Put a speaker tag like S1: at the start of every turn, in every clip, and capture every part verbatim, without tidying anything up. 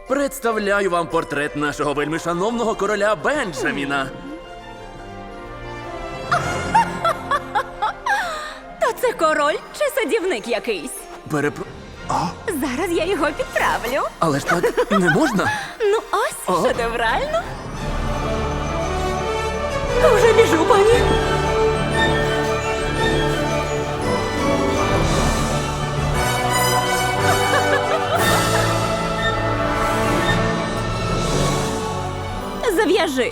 S1: Представляю вам портрет нашого вельмишановного короля Бенджаміна.
S2: То це король чи садівник якийсь?
S1: Перепро...
S2: Зараз я його підправлю.
S1: Але ж так не можна?
S2: Ну ось,
S1: О.
S2: шедеврально. Вже біжу, пані. Зав'яжи.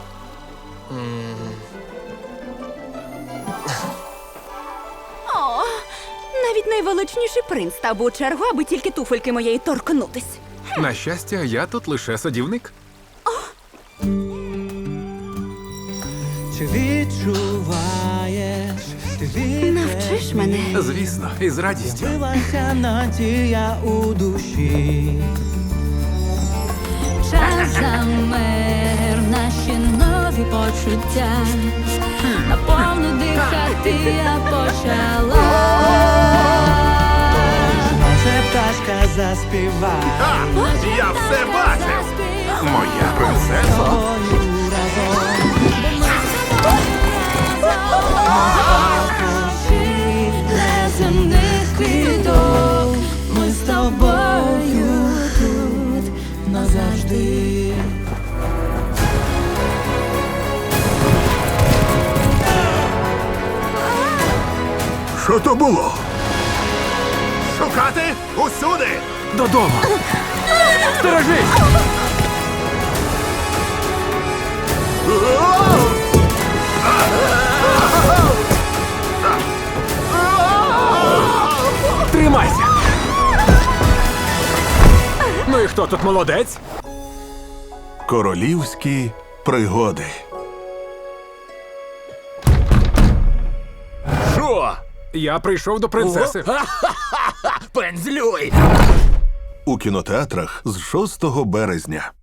S2: О, навіть найвеличніший принц став би у чергу, аби тільки туфельки моєї торкнутись.
S3: На щастя, я тут лише садівник.
S4: Чи відчуваєш, ти
S2: Навчиш мене.
S3: Звісно, і з радістю.
S4: відбилася надія у душі.
S5: Час замер, наші нові почуття. Наповну дихати я почала.
S4: Може пташка заспіває
S3: Я все бачив! Моя принцеса.
S4: тобою разом.
S5: Неземних квіток,
S4: Ми з тобою тут назавжди.
S3: Що то було? Шукати усюди! Додому! Сторожись! Тримайся! Ну і хто тут молодець?
S6: Королівські пригоди.
S1: Що?
S3: Я прийшов до принцеси.
S1: Пензлюй!
S6: У кінотеатрах з шостого березня.